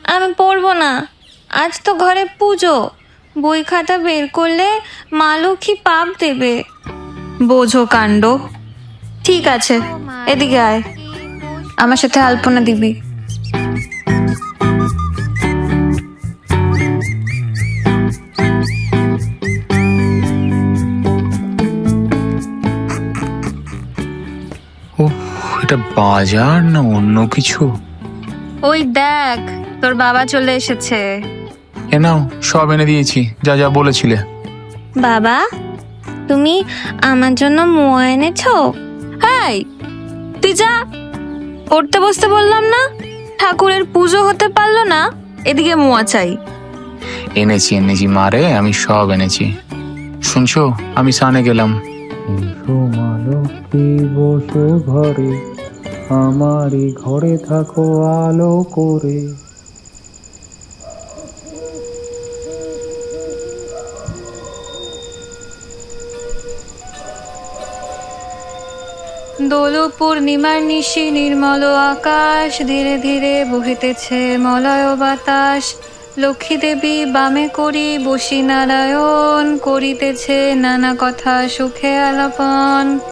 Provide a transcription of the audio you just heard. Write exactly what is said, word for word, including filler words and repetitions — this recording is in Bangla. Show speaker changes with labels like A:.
A: আমি পড়বো না, আজ তো ঘরে পুজো। বই খাতা বের করলে মা লক্ষ্মী পাপ দেবে। বোঝো কাণ্ড। ঠিক আছে, এদিকে আয়, আমার সাথে আলপনা দিবি।
B: ও, এটা বাজার না অন্য কিছু?
A: ওই দেখ, তোর বাবা চলে এসেছে।
B: এ নাও, সব এনে দিয়েছি, যা যা বলেছিলে।
A: বাবা, তুমি আমার জন্য মোয়া এনেছো? হাই, তুই যা, পড়তে বসতে বললাম না। ঠাকুরের পুজো হতে পারলো না, এদিকে মোয়া চাই।
B: এনেছি এনেছি মারে, আমি সব এনেছি। শুনছো, আমি সানে গেলাম।
C: এসো মা লক্ষ্মী বসো ঘরে, আমারই ঘরে থাকো আলো করে।
A: দোল পূর্ণিমার নিশি নির্মল আকাশ, ধীরে ধীরে বহিতেছে মলয় বাতাস। লক্ষ্মী দেবী বামে করি বসি নারায়ণ, করিতেছে নানা কথা সুখে আলাপন।